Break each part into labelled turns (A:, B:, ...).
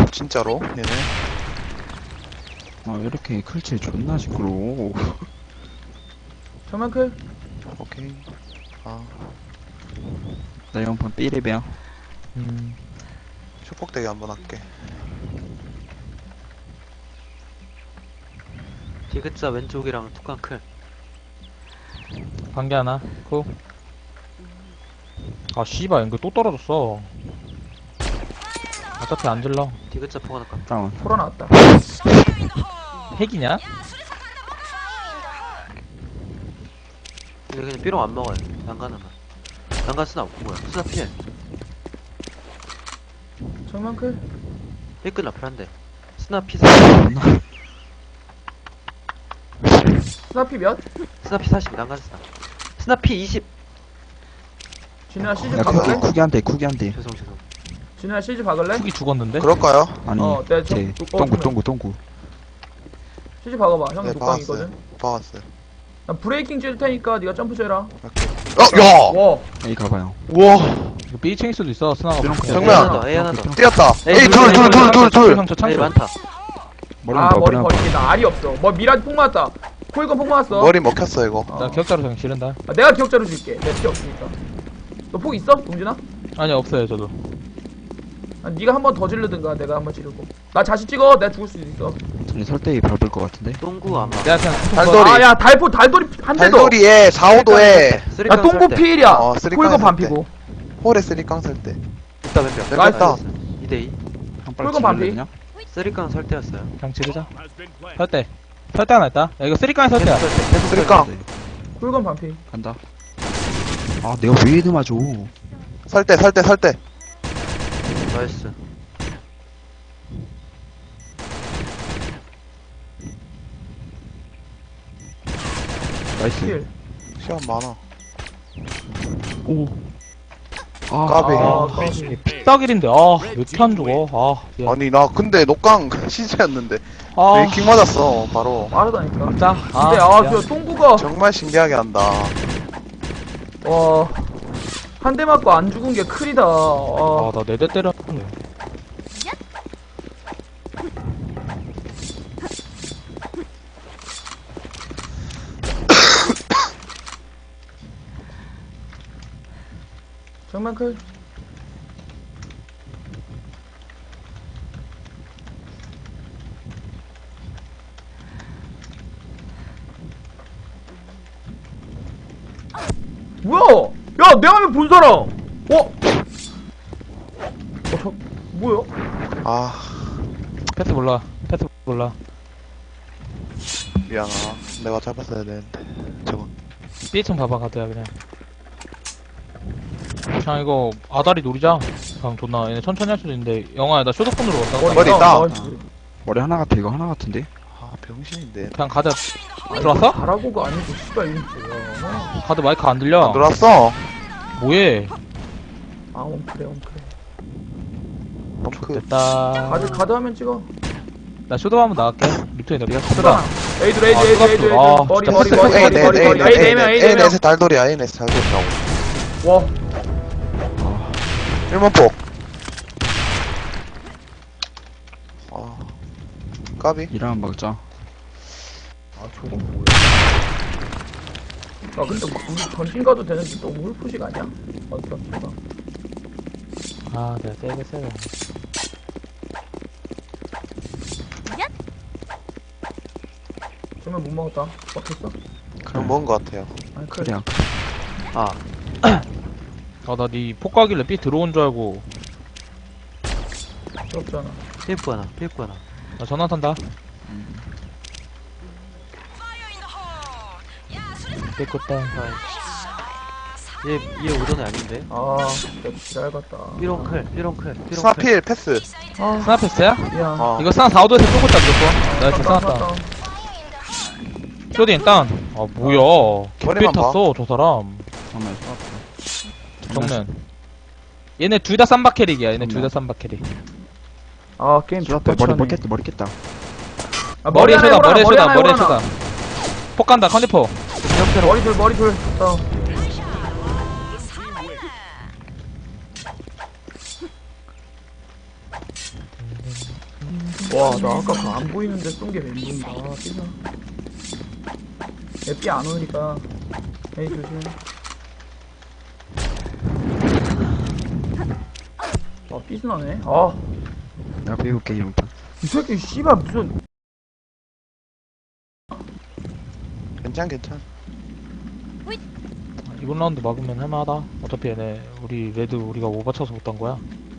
A: 진짜로 얘네.
B: 아, 왜 이렇게 클치 존나 시끄러워.
C: 정면 클.
A: 오케이. 아
B: 나 이번 삐리배야.
A: 축복대기 한번 할게.
D: 디귿자 왼쪽이랑 뚜껑 클.
E: 관계 하나. 고. 아, 씨발, 이거 또 떨어졌어. 어차피 안 질러.
D: 디귿자 포가 나까.
B: 다운.
C: 포라 나왔다.
E: 핵이냐?
D: 근데 그냥 삐롱 안 먹어요. 난간하면. 난간 쓰나 뭐야? 쓰나 피해.
C: 정면 클.
D: 삐끗 라플 한대. 쓰나 피 40.
C: 스나피 몇?
D: 쓰나 피 40. 난간 쓰나. 쓰나 피 20.
C: 진우야 시즈
B: 야,
C: 박을래?
B: 쿠기 한 대.
D: 죄송.
C: 진우야 시즈 박을래?
E: 쿡이 죽었는데?
A: 그럴까요?
B: 아니,
C: 내가
B: 쟤,
C: 그러면.
B: 똥구.
C: 시즈 박아봐. 형이
A: 네,
C: 독방이거든.
A: 박았어요.
C: 나 브레이킹 찔 테니까 네가 점프 째라.
A: 야!
C: 와.
B: 에이, 가봐요.
A: 우와!
E: 이거 B층일 수도 있어, 스나가.
A: 정면.
D: A 하나 더.
A: 뛰었다!
D: 에이,
A: 에이, 둘!
E: 형, 저
D: A
E: 창수.
D: 많다.
B: 머리
C: 아
B: 한 번,
C: 머리
B: 머리 한 번.
C: 버리기 나 알이 없어. 뭐 미라지 폭 맞았다. 코이건 폭 맞았어.
A: 머리 먹혔어, 이거.
C: 어.
E: 나 기억자로 그냥 지른다.
C: 아, 내가 기억자로 줄게. 내 필요 없으니까. 너 폭 있어? 동진아?
E: 아니, 없어요, 저도.
C: 아, 네가 한 번 더 지르든가 내가 한 번 지르고. 나 자신 찍어. 내가 죽을 수도 있어.
B: 아니, 설대기 밟을 것 같은데?
D: 똥구 아마.
E: 내가 그냥
A: 달돌이.
C: 아 야 달돌이 한 대 더.
A: 달돌이에 4, 5도에
C: 야 똥구 피일이야.
A: 어, 쓰리깡
C: 코이건
A: 했을
C: 반피고.
A: 홀에 쓰리깡 설 때.
D: 있다 왼벽.
A: 왼벽 있다.
D: 2대2.
B: 한 발로
C: 붉은 반피.
B: 지를래, 그냥?
D: 쓰리깡 설때였어요.
E: 그냥 지르자. 설대. 설대 하나 있다. 야, 이거 쓰리깡에 설대야.
A: 쓰리깡.
C: 코이건 반피.
B: 간다. 아, 내가 왜 이리 맞아.
A: 설 때.
D: 나이스.
B: 나이스.
C: 필.
A: 시간 많아.
B: 오. 아,
A: 까비.
C: 아 까비.
E: 픽사길인데, 아, 왜 이렇게 안 죽어? 아, 미안.
A: 아니, 나 근데 녹강 시즈였는데.
E: 아,
A: 메이킹 맞았어, 바로.
C: 빠르다니까.
E: 진짜?
C: 근데
E: 미안.
C: 저 똥구가
A: 정말 신기하게 한다.
C: 와. 한 대 맞고 안 죽은 게 크리다.
E: 아, 나 4대 때렸네.
C: 정면 클. 뭐야? 야, 내 화면 본 사람! 뭐야?
A: 아,
E: 패스 몰라. 패스 몰라.
A: 미안하. 내가 잡았어야 되는데. 저건.
E: B층 봐봐, 가드야, 그냥. 그냥 이거, 아다리 노리자. 그냥 존나, 얘네 천천히 할 수도 있는데, 영화야, 나 쇼도폰으로 왔다.
A: 머리 있다.
B: 머리 하나 같아, 이거 하나 같은데?
A: 아, 병신인데.
E: 그냥 가드, 들어왔어?
C: 잘하고가 아니고, 씨발, 이거 뭐야.
E: 가드 마이크 안 들려.
A: 안 들어왔어?
E: 뭐해?
C: 아, 옴크래.
A: 덩크.
E: 됐다.
C: 가드 하면 찍어.
E: 나 쇼도 한번 나갈게. 리턴이 내가
C: 쓰다.
E: 쓰다.
C: 에이드.
E: 아,
C: 머리.
E: 진짜
C: 머리.
A: 에이,
C: 에이,
A: 넷에 달돌이야, 에이, 넷에 달돌이라고.
C: 와.
A: 1문폭. 아, 까비.
B: 일하면 막자.
C: 아, 저건 뭐야. 아, 근데 우리 전진 가도 되는데 너무 홀푸식 아니야? 어떻게
E: 아, 내가 세게 세게.
C: 정말 못 먹었다. 먹혔어?
A: 그럼 먹은 것 같아요.
C: 아니, 그래.
B: 그래야.
D: 아,
E: 아, 나 니 폭가길래 B 들어온 줄 알고.
C: 없잖아.
D: PF 하나, PF 하나.
E: 나 전화 탄다. 깨끗다.
D: 얘 오전에 아닌데?
C: 아, 진짜 지랄 같다.
D: 삐롱 클.
A: 스나필 패스.
C: 아,
E: 스나 패스야?
C: 미안.
A: 어.
E: 이거 스나 4호도에서 쏘고 있다, 무조건. 나이스,
C: 아,
E: 스나다. 쇼딘 땅. 아, 뭐야. 개삐
A: 머리만 봐.
E: 탔어, 저 사람.
B: 정말 쏘았다.
E: 정면. 얘네 둘 다 쌈바 캐릭이야, 얘네 둘 다 쌈바 캐릭.
C: 아, 게임
B: 쏘았다.
C: 좋다.
B: 머리 깼다.
C: 아,
E: 머리에
C: 하나
E: 쏘다,
C: 해보라,
E: 머리에
C: 머리
E: 쏘다,
C: 하나
E: 머리에
C: 해보라.
E: 쏘다. 폭 간다, 컨디포.
C: 머리 둘. 와, 나 아까 그 안 보이는데 쏜 게 멘붕이다. 아, 삐나. 삐 안 오니까. 에이, 조심. 아, 삐스나네. 아,
B: 내가 배울게 이번판.
C: 이 새끼, 씨발, 무슨.
A: 괜찮.
E: 이번 라운드 막으면 할만하다. 어차피 얘네 우리 레드 우리가 오버쳐서 못 딴 거야.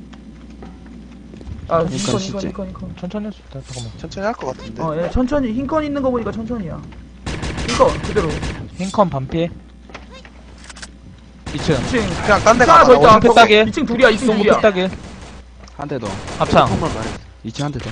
C: 아,
B: 그러니까
C: 흰컨.
E: 천천히 할 수 있다. 잠깐만.
A: 천천히 할 것 같은데.
C: 어, 얘 천천히, 흰컨 있는 거 보니까 천천히야. 흰컨, 그대로.
E: 흰컨 반피. 2층.
C: 2층.
A: 그냥 딴 데
C: 하나
A: 가봐.
C: 더 있다.
E: 핑 따게.
C: 2층 둘이야, 2층
E: 동구
C: 둘이야.
E: 피 따게.
B: 한 대 더.
E: 합창.
D: 폭만 말해.
B: 2층 한 대 더.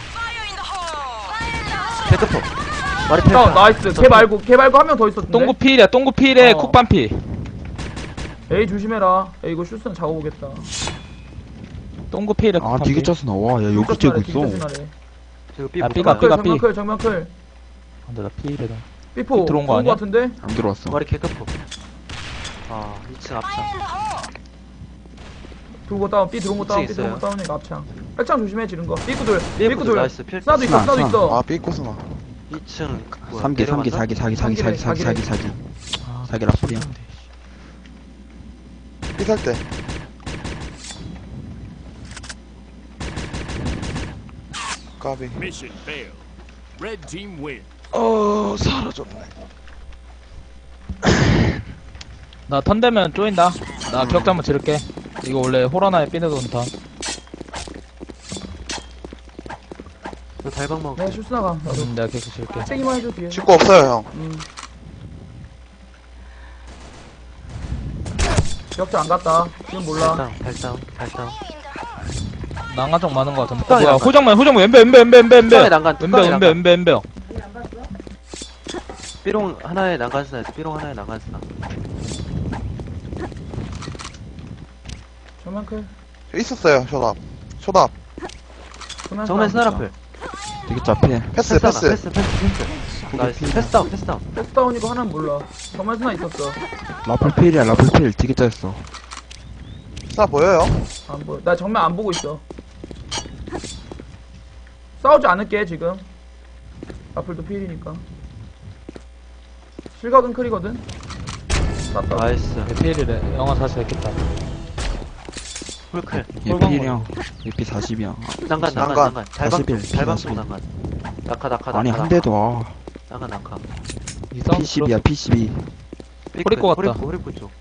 D: 개급포. 말이
C: 다운, 나이스. 걔 말고 한 명 더 있었는데.
E: 똥구 필이야. 똥구 필에
C: 어.
E: 쿡 반피.
C: 에이, 조심해라. 에이, 이거 슈스는 작업오겠다.
E: 똥구 필에 쿡
B: 아
E: 반피.
B: 되게 짰어 나와. 야 여기 째고 있어.
D: 저거 삐
E: 아,
D: 못
E: 삐가,
D: 가.
E: 삐가.
C: 정면클, 정면클.
E: 근데 나 필이다.
C: 삐포.
E: 들어온 거
C: 좋은
E: 아니야?
C: 같은데?
B: 안 들어왔어.
D: 머리 개급포. 아 2층 앞창.
C: 들어온 거 다운, 삐 들어온 거 다운,
D: 있어요.
C: 삐 들어온 거 다운이니까 앞창. 백창 조심해, 지른 거. 삐꾸들,
D: 삐꾸들
C: 삐꾸들.
D: 나이스. 필.
C: 스나도 있어, 스나도
B: 스나.
C: 있어.
A: 아, 삐꼬스나.
D: 2층.
B: 3개 3개 4개 4개 4개 4개 4개 4개.
E: 아,
B: 자기 라플이야.
A: 삐살 때. 까비.
F: Mission failed. Red team win.
A: 사라졌네.
E: 나 턴되면 쪼인다. 나 기억자 한번 지를게. 이거 원래 호라나에 삐내던 턴.
D: 너 달방 먹어.
C: 내가 슈스 나가. 나도.
E: 내가 계속 지를게.
C: 세기만 해줘, 뒤에.
A: 직구 없어요, 형.
C: 기억자 안 갔다. 지금 몰라.
D: 달당.
E: 난간쪽 많은 거 같은데.
D: 뚜껑이
E: 뭐야,
D: 난간.
E: 호정만, 엠베.
D: 뚜껑에 난간. 뚜껑에 난간.
E: 엠베.
D: 삐롱 하나에 난간 쓰나 있어. 삐롱 하나에 난간 쓰나.
C: 정면클.
A: 있었어요, 쇼답.
D: 정면 스나라플.
B: 되게 잡해.
A: 패스.
D: 패스. 나이스. 패스 다운.
C: 패스 다운이고 하나는 몰라. 정면 스나 있었어.
B: 라플 필이야 라플 필. 되게 짰어.
A: 스나 보여요?
C: 안 보여. 나 정면 안 보고 있어. 싸우지 않을게, 지금. 앞을도 필이니까. 실각은 클이거든? 땄다.
D: 나이스.
E: 필이래. 영화 사실 했겠다.
D: 풀클.
B: 얘 필이야. 얘 피 40이야.
D: 난간.
A: 난간.
D: 달방
B: 41,
D: 쪽
B: 41.
D: 난간. 낙하.
B: 아니 한 대도 와.
D: 낙하.
E: 이 싸움
B: P12야 P12.
E: 호리꼬 같다.
D: 호리꼬 쪽.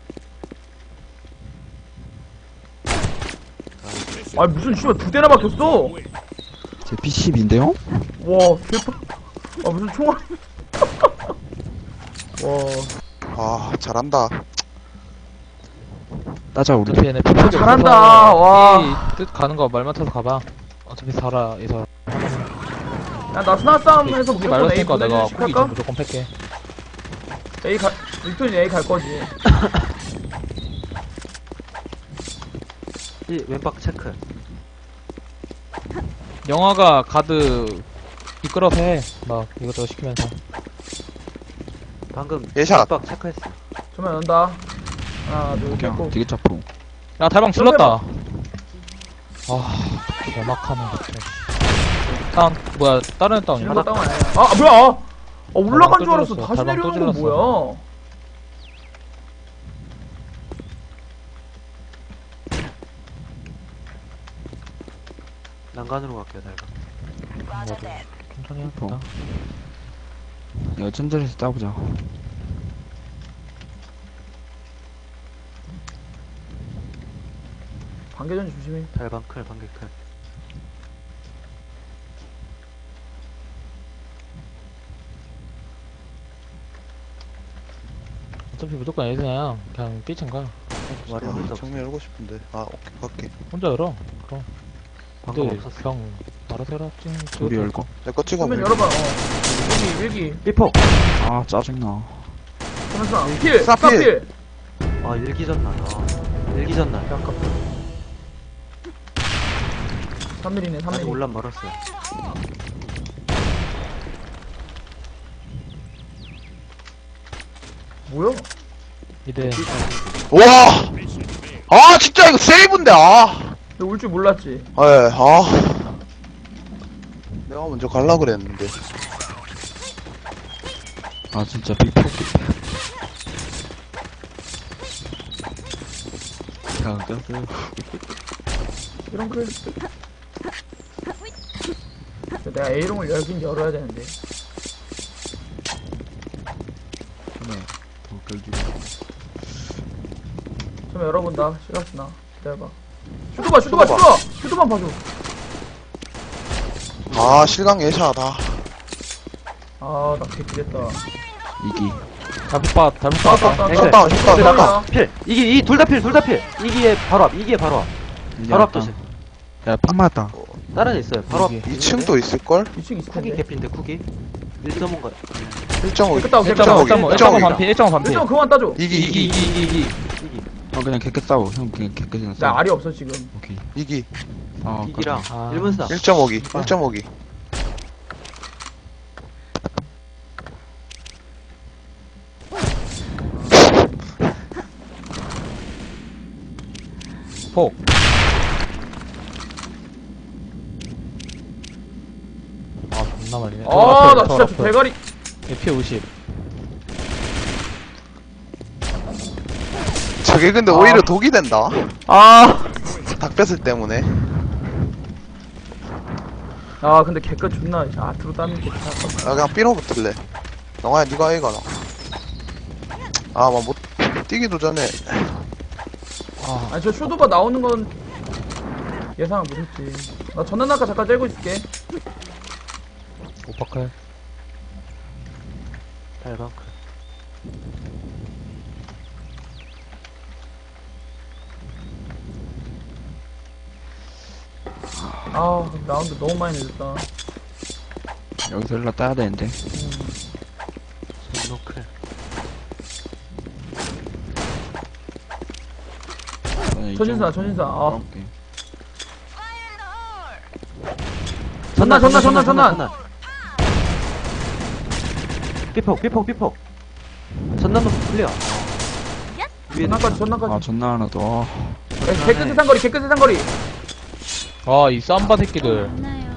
C: 아니, 무슨 씨발 두 대나 박혔어?
B: 제 P12인데요?
C: 와, 개빡. 아, 무슨 총알. 와.
A: 아, 잘한다.
B: 따자 우리.
E: 어차피 얘네
C: 아, 잘한다. 와.
E: 뜻 가는 거 말 맞춰서 가봐. 어차피 살아, 이 사람.
C: 야, 나 스나 싸움에서
E: 후기
C: 무조건 A
E: 말렸으니까 내가
C: 보내주식
E: 후기
C: 할까?
E: 좀 무조건 팰게.
C: A 빅톤이 A 갈 거지.
D: 이 왼박 체크.
E: 영화가 가드 이끌어서 해. 막 이것저것 시키면서.
D: 방금
A: 예샷.
D: 왼박 체크했어.
C: 정면 연다. 하나, 둘, 셋,
B: 그냥
C: 고.
B: 되게 짜프로.
E: 야, 달방 질렀다. 아, 개막하네, 진짜. 다운, 뭐야, 다른 애 다운이야?
C: 지금 거 다운 아니야. 아, 뭐야? 아, 올라간
E: 또
C: 줄 알았어.
E: 질렀어.
C: 다시
E: 달방 또
C: 내려오는 건
E: 질렀어.
C: 뭐야?
D: 난간으로 갈게요 달방.
E: 천천히 해보자.
B: 이거 천천히서 짜보자.
C: 반개전 조심해.
D: 달방 클 방개 클.
E: 어차피 무조건 에이스야. 그냥 삐친가.
D: 말이
A: 아,
D: 없어.
A: 정면 열고 싶은데. 아, 오케이, 갈게.
E: 혼자 열어. 그럼.
D: 방금
E: 근데
D: 없었어.
E: 그냥 알아서 해라. 찡.
B: 우리 열고.
A: 내 거 찍어.
C: 정면 열어봐. 일기.
D: 삐포.
B: 아 짜증나.
C: 정면 스나. 필!
A: 스나
C: 스나
A: 필!
C: 필!
D: 아 일기전날. 일기전날.
C: 아깝다. 3mm네,
D: 아직
C: 3mm.
D: 올란 멀었어요.
C: 뭐야?
E: 이대.
A: 와! 아, 진짜 이거 세이브인데, 아!
C: 너 올 줄 몰랐지?
A: 예, 아. 내가 먼저 갈라 그랬는데.
B: 아, 진짜 빅폭. 야, 꼈어요.
C: 이런 글. 내가 A롱을 열긴 열어야 되는데.
B: 네. 더 끌주고.
C: 좀 열어본다. 시각스나. 기다려봐. 슈도만 봐줘.
A: 아, 실강 예샤다.
C: 아, 나 개기랬다.
B: 이기.
E: 잘못 봐.
A: 샷다운,
C: 아,
A: 샷다운.
D: 필. 이기 둘 다 필. 이기에 바로 앞.
B: 이제
D: 바로 앞
B: 왔다.
D: 조심.
B: 야, 팍 맞았다.
D: 다른 애 있어요. 바로 앞.
E: 이기.
A: 2층도 있을걸?
C: 2층 있을
D: 쿠기
C: 텐데.
D: 개피인데 쿠기. 1.5인가.
A: 1.5.
C: 됐다,
E: 1.5 반피. 1.5 반피.
C: 1점 그만 따줘.
A: 이기.
B: 어, 그냥 개끗 싸워. 형, 그냥 개끗이나
C: 나
B: 싸워.
C: 알이 없어, 지금.
B: 오케이.
A: 이기.
B: 아,
D: 이기랑
E: 아.
D: 1문 사.
A: 1.5기. 1.5기.
E: 폭. 아, 존나 말리네.
C: 아, 나 진짜 저 대가리.
E: 피 50.
A: 저게 근데 오히려 독이 된다.
D: 아.
A: 닭뱃을 때문에.
C: 아, 근데 개껏 존나 아트로 따는 게 다.
A: 나 그냥 B로 붙을래. 영아야, 니가 A 가라. 아, 막 못, 뛰기도 전에.
E: 아,
C: 아니, 저 슈도바 나오는 건 예상을 못했지. 나 전난아까 잠깐 째고 있을게.
E: 오빠클.
D: 달방.
C: 아, 라운드 너무 많이 늦었다.
B: 여기서 일라 따야 되는데.
D: 노클.
C: 전신사. 아,
B: 오케이.
C: 전난.
D: 삐폭. 전남도 클리어.
C: 전난까지.
B: 아, 존나 하나 더.
C: 개끝의 상거리.
E: 아, 이 쌈바 새끼들.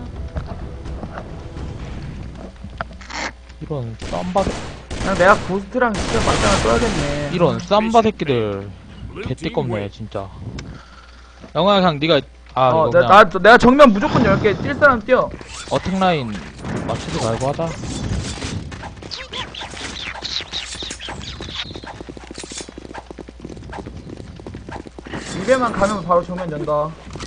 E: 이런 쌈바,
C: 그냥 내가 고스트랑 진짜 맞짱을 써야겠네.
E: 이런 쌈바 새끼들. 개띠껍네, 진짜. 영화야, 그냥 니가, 이거 그냥
C: 내가 정면 무조건 10개 뛸 사람 뛰어.
E: 어택 라인 맞추지 말고 하자.
C: 입에만 가면 바로 정면 연다.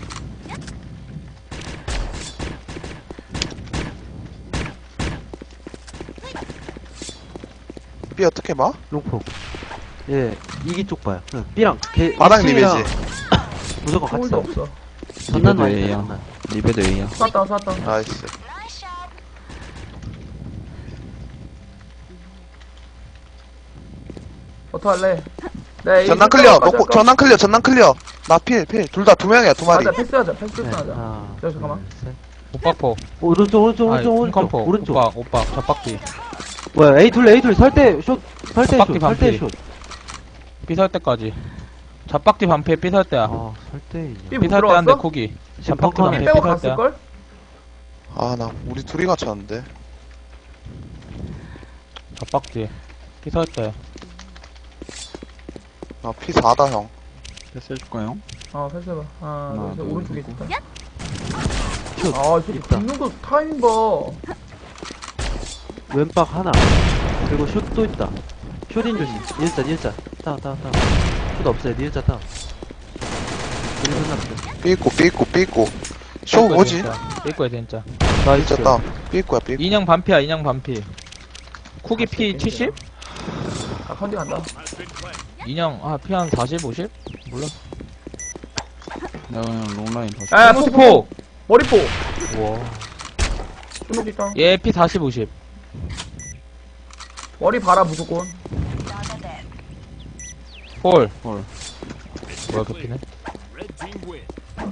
A: B 어떻게 봐?
D: 롱폭. 예, 이기 쪽 봐요. B랑
A: 바닥
D: 2층이랑
A: 리베지.
D: 무조건 같이
C: 소울도
D: 싸워.
C: 없어.
D: 전난
B: 리베도
D: 많이
B: A야.
D: 전난.
B: 리베도 A야.
C: 쐈다.
A: 나이스.
C: 어떡할래? 네,
A: 전난 클리어. 먹고, 전난 클리어. 나 필. 둘 다 2명이야, 2마리.
C: 맞아, 패스하자.
D: 네,
C: 패스하자.
D: 하나,
C: 저, 잠깐만.
D: 둘, 셋.
E: 오빠포.
D: 오른쪽.
E: 컴포.
D: 오른쪽.
E: 오빠, 잡박기.
D: 뭐야, A 둘 설대 슛.
E: 빡디 반피. 삐설 때까지. 잡박디 반피에 삐설 때야.
D: 아, 설대.
C: 삐
E: 삐설 때 한대
C: 들어갔어?
E: 코기.
D: 지금
E: 잡박디
D: 펑펑해.
E: 반피에
C: 빼고
E: 삐설 때야.
C: 갔을걸?
A: 아, 나, 우리 둘이 갇혔는데.
E: 잡박디. 삐설 때.
A: 나 P4다, 형.
B: 패스 해줄까요?
C: 패스해봐. 하나,
B: 하나,
C: 둘, 셋.
B: 둘,
C: 오른쪽에
B: 셋.
C: 있다.
D: 슛.
C: 아, 이 새끼
D: 있다.
C: 붙는 거 타이밍 봐.
D: 왼박 하나. 그리고 슛도 있다. 슛인 조심. 니은자. 다운. 슛 없어요. 니은자 다운. 1분 남았어.
A: B 있고. 쇼 뭐지?
E: 삐꼬야, 진짜.
A: 진짜 따. B 있고야, B 있고.
E: 인형 반피야, 인형 반피. 쿠기 피 70?
C: 아, 컨디 간다.
E: 인형, 피 한 40, 50? 몰라.
B: 내가 그냥 롱라인 봤어.
C: 야,
E: 스모스포!
C: 머리포.
E: 우와.
C: 주먹 있다.
E: 얘 피 40, 50.
C: 머리 봐라, 무조건.
E: 홀.
B: 홀.
E: 뭐야, 그 피네?
F: Red team win.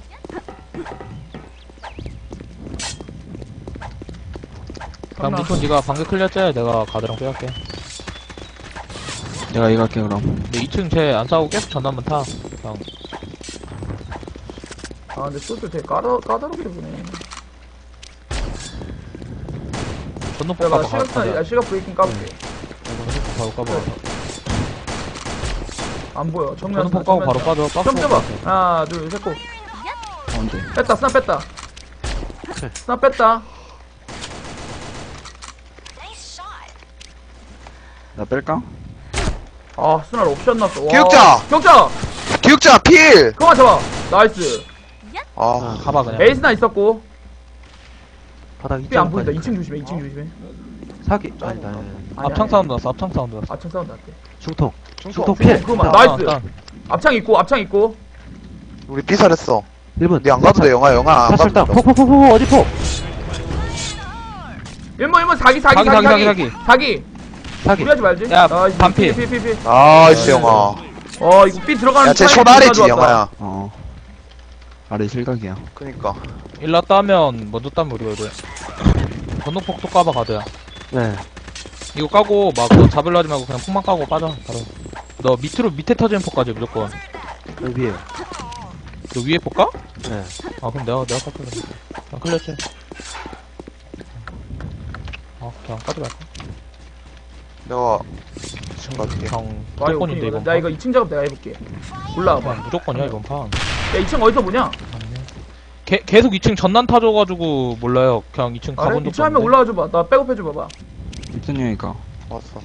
E: 그럼 니폰 니가 방금 클리어 째야 내가 가드랑 빼갈게.
B: 내가 이거 할게, 그럼.
E: 근데 2층 쟤 안 싸우고 계속 전담만 타. 그냥.
C: 아, 근데 슛을 되게 까다롭게 보네.
E: 전동폭
C: 내가
E: 까봐,
C: 시각, 시각 브레이킹 까볼게.
E: 바로 까봐.
C: 안 보여. 정면.
E: 전동폭 까고 바로 빠져. 박스
C: 좀 떼봐.
E: 먹고.
C: 하나, 둘, 셋, 고.
B: 가운데.
C: 뺐다, 스나 뺐다. 스나 뺐다.
B: 나 뺄까?
C: 아, 스나 옵션 났어. 와.
A: 기억자!
C: 기억자!
A: 기억자, 필!
C: 그만 잡아. 나이스.
A: 아,
E: 가봐, 그냥.
C: 에이스나 있었고.
D: 바닥
C: 삐 안
D: 2층
C: 보인다. 2층 조심해, 2층 조심해.
D: 사기 아니다
C: 아니,
E: 앞창
C: 아니.
E: 사운드 났어, 앞창 사운드 났어.
C: 앞창 사운드 할게.
D: 중통
A: 중통.
D: 중통 필
C: 그만.
D: 다운.
C: 나이스.
E: 다운.
C: 앞창 있고, 앞창 있고.
A: 우리 삐살했어.
D: 1분
A: 니 안 가도 돼, 영아 안 가도
D: 사실당
A: 돼.
D: 폭폭폭폭 어디 폭
C: 1번 사기. 사기.
D: 사기
C: 무리하지 말지.
E: 야,
C: 나이스.
E: 반피.
C: 피.
A: 나이스, 영아.
C: 이거 삐 들어가는
A: 야, 쟤
C: 타이밍
A: 쇼다리지,
C: 존나 좋았다.
A: 영아야.
B: 아래 실각이야.
A: 그니까.
E: 일라 따면, 먼저 따면 우리가 이래. 전동폭도 까봐, 가드야.
D: 네
E: 이거 까고, 막, 너 잡으려 하지 말고 그냥 폭만 까고 빠져, 바로. 너 밑에 터지는 폭까지 무조건.
D: 여기 위에
E: 너 위에 폭 까?
D: 네
E: 아, 그럼 내가 깎게 그냥. 그냥 클렸지. 그냥 까지 말까?
A: 내가 지금 갈게.
E: 그냥
C: 와, 이거
E: 무조건인데, 이번
C: 나
E: 판.
C: 이거 2층 작업 내가 해볼게. 올라와봐.
E: 그냥 무조건이야, 이번 판.
C: 야, 2층 어디서 보냐?
E: 계속 2층 전난 타줘가지고 몰라요. 그냥 2층
C: 아,
E: 가본
C: 2층
E: 적도
C: 하면
E: 없는데.
C: 올라와줘봐. 나 백업해줘봐봐.
B: 입선형이니까.
A: 왔어.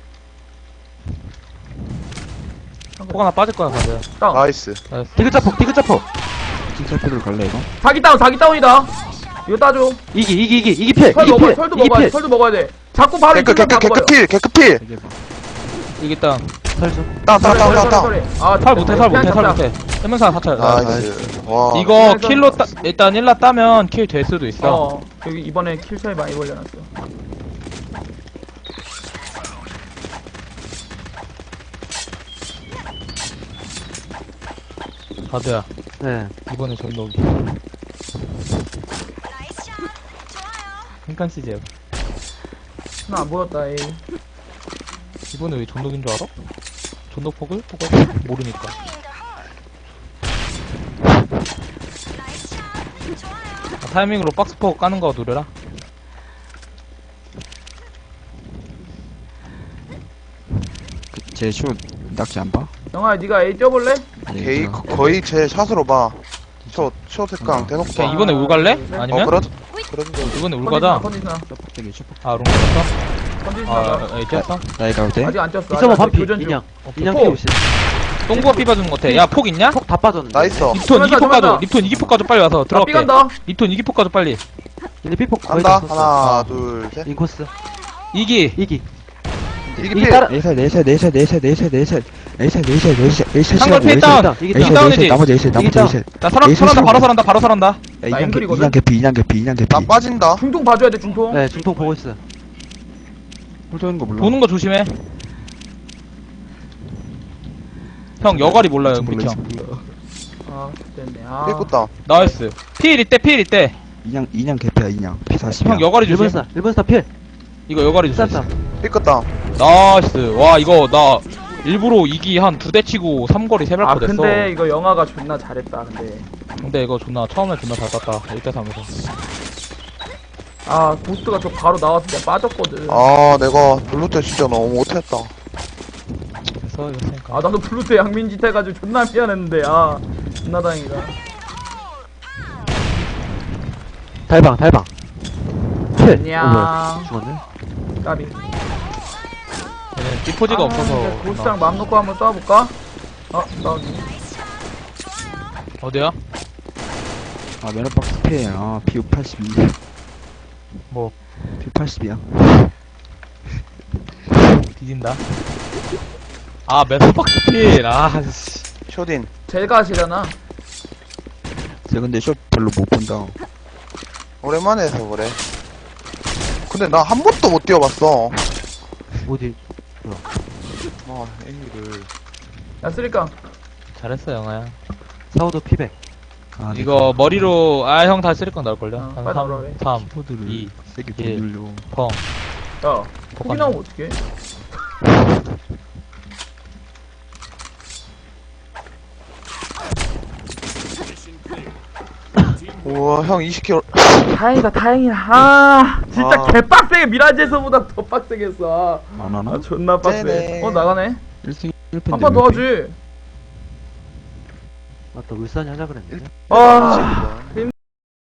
E: 폭 하나 빠질 거야, 가드.
C: 다운.
A: 나이스.
D: 디귿자폭 디귿자폭
B: 칭찬필로 갈래, 이거?
C: 사기 다운이다. 이거 따줘.
D: 이기 필
C: 설
D: 이기
C: 먹어야
D: 필
C: 돼. 설도
D: 이기
C: 먹어야 돼.
D: 필
C: 설도 먹어야 돼. 자꾸 바로
A: 개크,
C: 이쪽으로
A: 개크,
C: 바꿔버려.
A: 개크필, 개크필!
B: 되게 봐.
E: 이게 딱.
D: 설수
A: 다운.
C: 아,
E: 살 못해, 살 못해, 살
C: 그냥
E: 못해. 해명사 사찰.
A: 나이스. 와.
E: 이거 킬로 일단 1라 따면 킬 될 수도 있어.
C: 여기 이번에 킬 차이 많이 벌려놨어.
E: 가드야.
D: 네
E: 이번에 저기 넣기. hinkan CJ.
C: 하나 안 보였다, 에이.
E: 이번에 왜 존독인 줄 알아? 존독폭을? 모르니까. 타이밍으로 박스폭 까는 거 노려라.
B: 제 슛, 낙지 안 봐?
C: 영아야, 니가 A 뛰어볼래?
A: 게이, 거의 제 샷으로 봐. 초 색강 대놓고 봐.
E: 그냥 이번에 울 갈래? 아니면?
A: 그러던데.
E: 이번에 울 가자.
C: 컨디스나.
B: 슈퍼되게 슈퍼.
E: 아, 롱 갔어?
C: 컨디스나.
E: 아, 에이, 뛰었어?
B: 나이 가도 돼?
C: 아직 안 뛰었어.
D: 빅서버
C: 아직
D: 반피
C: 교전 중.
D: 인양
E: 오케이.
D: 인양
C: 폭.
D: 피우시
E: 똥구가 삐봐주는 것 같아. 야, 폭 있냐?
D: 폭 다 빠졌는데
A: 나이스.
E: 립톤 이기폭
C: 들어간다.
E: 가져. 립톤 이기폭 가져. 빨리 와서
C: 나
E: 들어갈게.
C: 삐간다.
E: 립톤 이기폭 가져, 빨리.
D: 얘네 삐폭 거의
A: 간다.
D: 다 썼어.
A: 하나, 둘, 셋.
D: 인코스
E: 이기.
D: 이기
A: 이게
D: 이기
A: 필.
D: 따라
E: 상대 필 다운.
D: 이기
E: 이기 다운이지.
B: 나머지 에이셋, 나머지
D: 이기 다운.
B: 에이셋.
E: 나 설한다. 바로 설한다.
C: 앵글이거든?
B: 인양 개피.
A: 나 빠진다.
C: 중통 봐줘야 돼, 중통.
D: 네 중통 보고 있어
B: 홀 도는 거 몰라.
E: 보는 거 조심해. 형, 여갈이 몰라요, 우리 형.
C: 아, 됐네. 아.
A: 삐끗다.
E: 나이스. 필 이때.
B: 인양 개피야, 인양. P40이야.
E: 형, 여갈이
D: 1번
E: 조심.
D: 스타 1번 스타 필
E: 이거 여갈이 조심.
D: 쌌다
A: 삐끗다.
E: 나이스. 와, 이거 나 일부러 이기 한 2대 치고 3거리 3발
C: 아,
E: 거 됐어.
C: 근데 이거 영아가 존나 잘했다, 근데.
E: 이거 처음에 존나 잘 땄다. 1대3에서.
C: 아, 고스트가 저 바로 나와서 내가 빠졌거든.
A: 아, 내가 블루 때 진짜 너무 못했다.
E: 됐어, 이겼으니까.
C: 아, 나도 블루투 양민짓 해가지고 존나 미안했는데, 아, 존나 다행이다.
D: 달방 필
C: 안녕.
D: 뭐야 죽었네
C: 까비.
E: 얘는 찌포지가 없어서.
C: 이제 고스트랑 마음 놓고 한번 쏴볼까? 나오네.
E: 어디야?
B: 아, 메로박스 피해. 아, P82.
E: 뭐,
B: P80이야.
E: 뒤진다. 아, 메소박스 필. 아, 씨.
A: 쇼딘.
C: 제가 하시려나?
B: 쟤 근데 슛 별로 못 본다.
A: 오랜만에 해서 그래. 근데 나 한 번도 못 뛰어봤어.
D: 어디
A: 아, A를.
C: 야, 쓰리깡.
E: 잘했어, 영아야.
D: 사우도 피백
B: 아,
E: 이거 머리로, 형 다 쓰리건 나올걸요?
C: 어,
E: 한
C: 빨리 나오라 그래.
E: 3,
B: 포드를
E: 2,
B: 세게
E: 일.
B: 돌려.
E: 펑.
C: 야, 폭이 나오면 어떡해?
F: Mission clear. Team
A: 우와, 형 20kg.
C: 다행이다, 다행이야. 아, 진짜
A: 아.
C: 개빡세게 미라지에서보다 더 빡세게 했어.
B: 안 하나?
C: 아, 존나 빡세.
A: 쟤네.
C: 나가네.
B: 1승 1패인데.
C: 한 판 더 하지.
D: 맞다, 울산이 하자 그랬는데.
C: 아,